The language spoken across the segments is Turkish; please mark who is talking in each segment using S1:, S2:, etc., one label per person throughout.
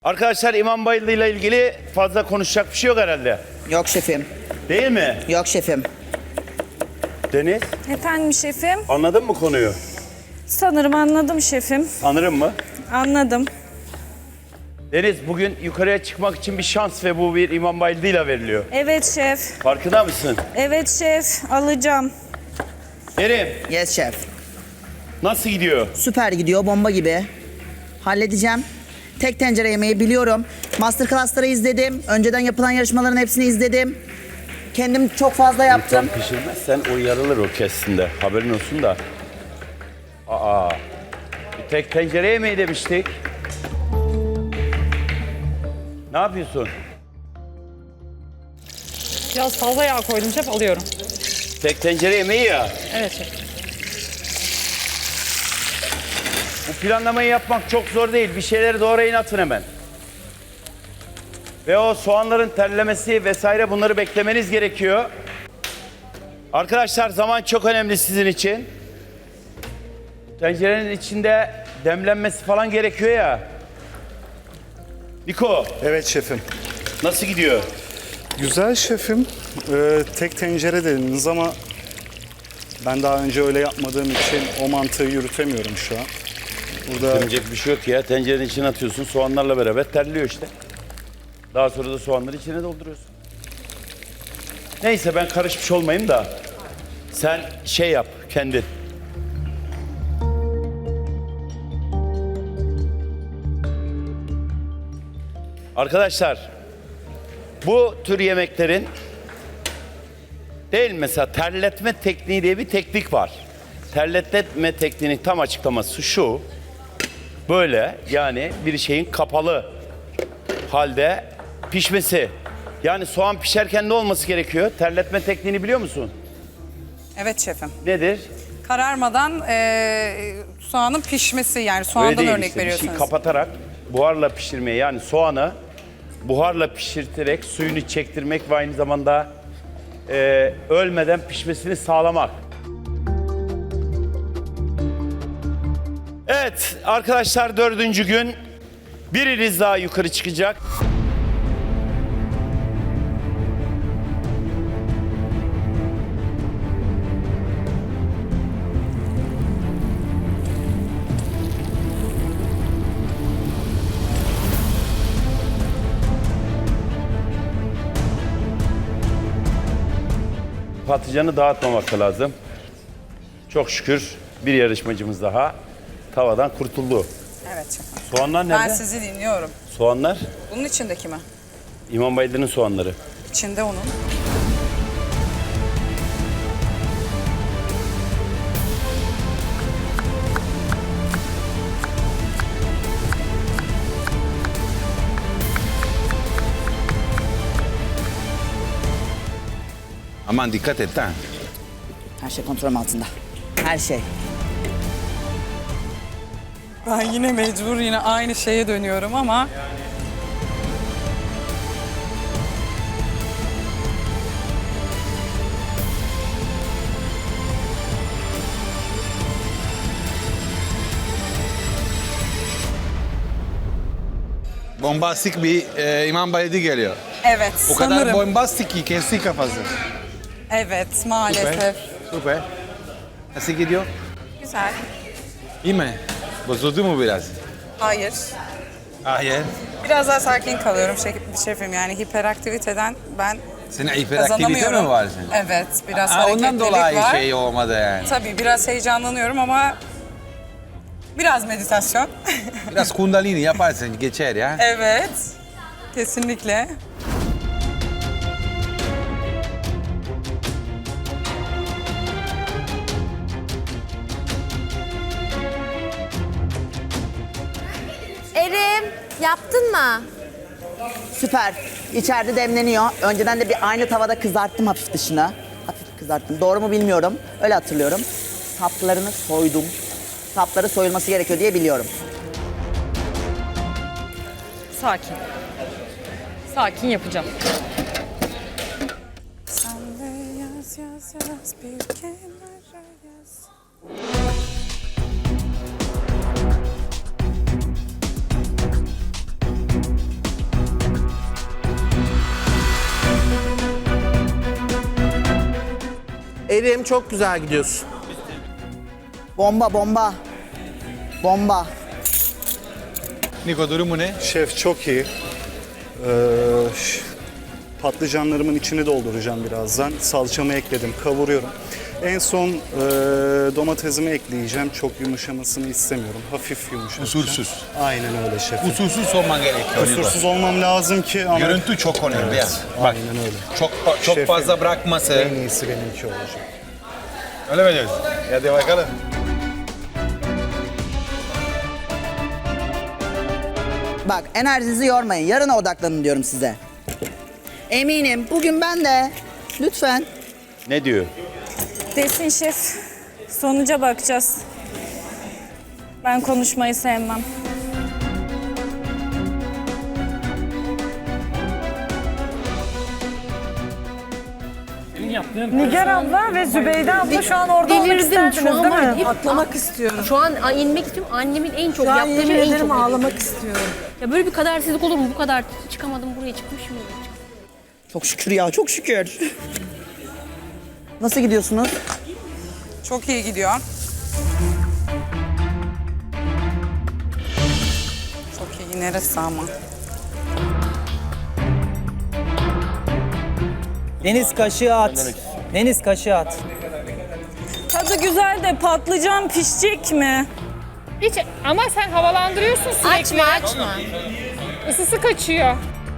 S1: Arkadaşlar İmam Bayıldı ile ilgili fazla konuşacak bir şey yok herhalde.
S2: Yok şefim.
S1: Değil mi?
S2: Yok şefim.
S1: Deniz,
S3: Efendim şefim.
S1: anladın mı konuyu?
S3: Sanırım anladım şefim.
S1: Anırım mı?
S3: Anladım.
S1: Deniz, bugün yukarıya çıkmak için bir şans ve bu bir İmam Bayıldı ile veriliyor.
S3: Evet şef.
S1: Farkında mısın?
S3: Evet şef. Alacağım.
S1: Kerim,
S2: Yes şef.
S1: nasıl gidiyor?
S2: Süper gidiyor, bomba gibi. Halledeceğim. Tek tencere yemeği biliyorum. Masterclass'ları izledim. Önceden yapılan yarışmaların hepsini izledim. Kendim çok fazla yaptım.
S1: Sen pişirmezsen o yarılır o kestinde. Haberin olsun da. Bir tek tencere yemeği demiştik. Ne yapıyorsun?
S4: Biraz fazla yağ koydum şef, alıyorum.
S1: Tek tencere yemeği ya.
S4: Evet şef.
S1: Bu planlamayı yapmak çok zor değil. Bir şeyleri doğrayın atın hemen. Ve o soğanların terlemesi vesaire bunları beklemeniz gerekiyor. Arkadaşlar zaman çok önemli sizin için. Tencerenin içinde demlenmesi falan gerekiyor ya. Niko,
S5: Evet şefim.
S1: nasıl gidiyor?
S5: Güzel şefim. Tek tencere dediniz ama ben daha önce öyle yapmadığım için o mantığı yürütemiyorum şu an. Burada
S1: Demeyecek bir şey yok ya. Tencerenin içine atıyorsun. Soğanlarla beraber terliyor işte. Daha sonra da soğanları içine dolduruyorsun. Neyse ben karışmış olmayayım da. Sen şey yap kendin. Arkadaşlar bu tür yemeklerin değil mesela terletme tekniği diye bir teknik var. Terletme tekniğinin tam açıklaması şu. Böyle yani bir şeyin kapalı halde pişmesi. Yani soğan pişerken ne olması gerekiyor? Terletme tekniğini biliyor musun?
S6: Evet şefim.
S1: Nedir?
S6: Kararmadan soğanın pişmesi, yani
S1: Öyle
S6: soğandan
S1: değil
S6: örnek
S1: işte. Bir
S6: veriyorsunuz.
S1: şey kapatarak buharla pişirmeye, yani soğanı buharla pişirterek suyunu çektirmek ve aynı zamanda ölmeden pişmesini sağlamak. Evet arkadaşlar, 4. gün biriniz daha yukarı çıkacak. Patlıcanı dağıtmamak lazım. Çok şükür bir yarışmacımız daha tavadan kurtuldu.
S6: Evet şefim.
S1: Soğanlar nerede?
S6: Ben sizi dinliyorum.
S1: Soğanlar
S6: Bunun içindeki mi?
S1: İmam Bayıldı'nın soğanları.
S6: İçinde onun.
S7: Aman dikkat et ha.
S2: Her şey kontrolüm altında. Her şey.
S6: Ben yine mecbur aynı şeye dönüyorum ama...
S7: Bombastik bir İmam Bayıldı geliyor.
S6: Evet,
S7: O kadar
S6: sanırım.
S7: bombastik ki kesti kafası.
S6: Evet, maalesef.
S7: Süper. Nasıl gidiyor?
S6: Güzel.
S7: İyi mi? Bozuldu mu biraz?
S6: Hayır.
S7: Hayır.
S6: Biraz daha sakin kalıyorum şefim. Yani hiperaktiviteden ben
S7: Senin hiperaktivite
S6: kazanamıyorum.
S7: mi var senin?
S6: Evet, biraz
S7: Aa,
S6: hareketlilik
S7: ondan dolayı
S6: var.
S7: şey olmadı yani.
S6: Tabii biraz heyecanlanıyorum ama biraz meditasyon.
S7: Biraz kundalini yaparsın geçer ya.
S6: Evet, kesinlikle.
S8: Erim, yaptın mı?
S2: Süper. İçeride demleniyor. Önceden de bir aynı tavada kızarttım hafif dışını. Hafif kızarttım. Doğru mu bilmiyorum. Öyle hatırlıyorum. Saplarını soydum. Sapları soyulması gerekiyor diye biliyorum.
S4: Sakin. Sakin yapacağım.
S6: Sen de yaz yaz yaz bir kenara yaz.
S8: Kerim çok güzel gidiyorsun.
S2: Bomba, bomba. Bomba.
S7: Niko durumu ne?
S5: Şef çok iyi. Patlıcanlarımın içini dolduracağım birazdan. Salçamı ekledim, kavuruyorum. En son domatesimi ekleyeceğim. Çok yumuşamasını istemiyorum. Hafif yumuşatacağım.
S7: Usulsüz.
S5: Aynen öyle şefim.
S7: Usulsüz olman gerekiyor. Niko.
S5: Kusursuz olmam lazım ki ama...
S7: Görüntü çok önemli.
S5: Evet,
S7: ya. Bak,
S5: aynen öyle.
S7: çok
S5: Şefim,
S7: fazla bırakması.
S5: En iyisi benimki olacak.
S7: Öyle mi diyorsun? Hadi bakalım.
S2: Bak enerjinizi yormayın. Yarına odaklanın diyorum size. Eminim bugün ben de. Lütfen.
S1: Ne diyor?
S3: Desin şef. Sonuca bakacağız. Ben konuşmayı sevmem.
S4: Nigar abla ve Zübeyde abla şu an orada olmak
S9: Delirdim
S4: isterdiniz
S9: şu an
S4: değil
S9: var.
S4: mi?
S9: Hep
S6: Atlamak istiyorum.
S9: Şu an inmek istiyorum. Annemin en çok
S6: Şu an
S9: yaptığı
S6: yemin
S9: şey en
S6: ederim
S9: çok delirdim.
S6: ağlamak istiyorum.
S9: Ya böyle bir kadersizlik olur mu? Bu kadar çıkamadım buraya çıkmışım.
S2: Çok şükür ya, çok şükür. Nasıl gidiyorsunuz?
S6: Çok iyi gidiyor. Çok iyi. Neresi ama?
S10: Deniz kaşığı at. Deniz kaşığı at.
S3: Tadı güzel de patlıcan pişecek mi?
S4: Hiç ama sen havalandırıyorsun sürekli.
S9: Açma.
S4: Isısı kaçıyor.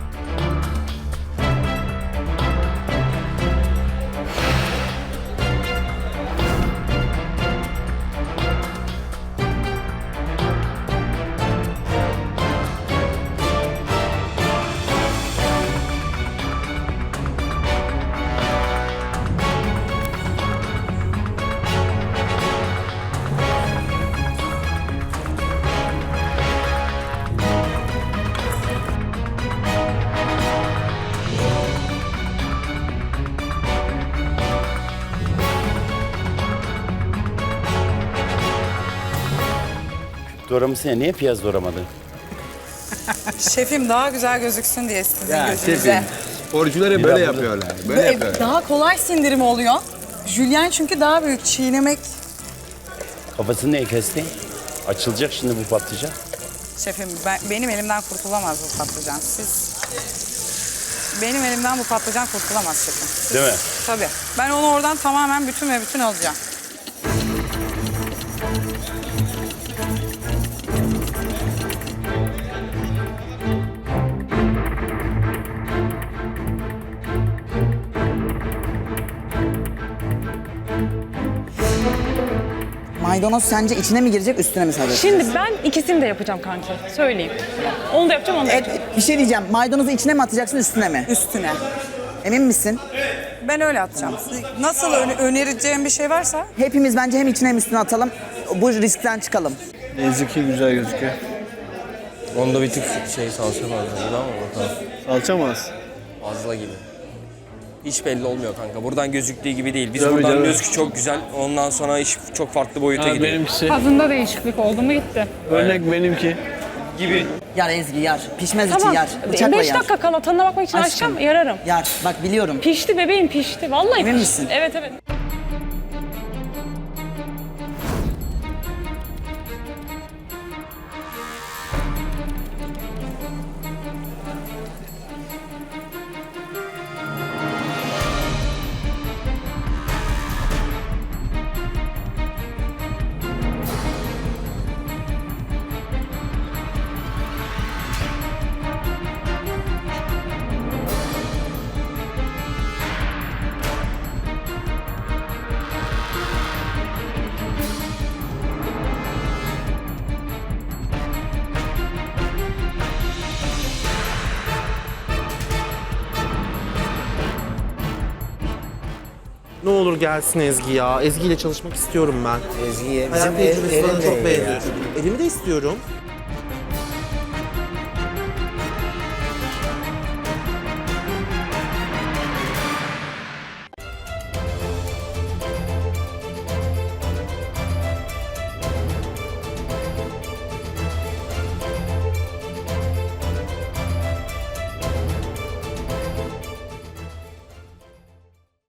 S1: Doğramışsın ya, niye piyaz doğramadın?
S6: Şefim daha güzel gözüksün diye sizin
S7: Ya
S6: gözünüze.
S7: şefim. Sporcuları böyle yapıyorlar. Böyle yapıyorlar.
S6: Daha kolay sindirim oluyor. Jülyen çünkü daha büyük. Çiğnemek.
S1: Kafasını niye kestin? Açılacak şimdi bu patlıcan.
S6: Şefim benim elimden kurtulamaz bu patlıcan. Benim elimden bu patlıcan kurtulamaz şefim.
S1: Değil mi?
S6: Tabii. Ben onu oradan tamamen bütün alacağım.
S2: Maydanoz sence içine mi girecek, üstüne mi sadece?
S4: Şimdi ben ikisini de yapacağım kanki. Söyleyeyim. Onu da yapacağım, onu da yapacağım.
S2: Bir şey diyeceğim. Maydanozu içine mi atacaksın, üstüne mi?
S6: Üstüne.
S2: Emin misin?
S6: Ben öyle atacağım. Nasıl önereceğim bir şey varsa
S2: Hepimiz bence hem içine hem üstüne atalım. Bu riskten çıkalım.
S10: Eziki güzel gözüküyor.
S8: Onda bir tık salça fazla gibi ama bakalım.
S10: Salça mı az?
S8: Fazla gibi. Hiç belli olmuyor kanka. Buradan gözüktüğü gibi değil. Biz
S10: Tabii
S8: buradan
S10: canım.
S8: gözükü çok güzel. Ondan sonra iş çok farklı boyuta gidiyor.
S10: Benimkisi.
S4: Tadında değişiklik oldu mu gitti.
S10: Örnek benimki.
S2: Yar Ezgi yar. Pişmez için
S4: Tamam.
S2: yar. Bıçakla
S4: 5
S2: yar.
S4: dakika kala tadına bakmak için
S2: Aşkım.
S4: açacağım, yararım.
S2: Yar. Bak biliyorum.
S4: Pişti bebeğim, pişti. Vallahi
S2: Emin
S4: pişti.
S2: misin?
S4: Evet, evet.
S8: Ne olur gelsin Ezgi ya. Ezgi ile çalışmak istiyorum ben.
S10: Ezgi'ye
S8: Hayat tecrübesini çok beğeniyorum. Elimi de istiyorum.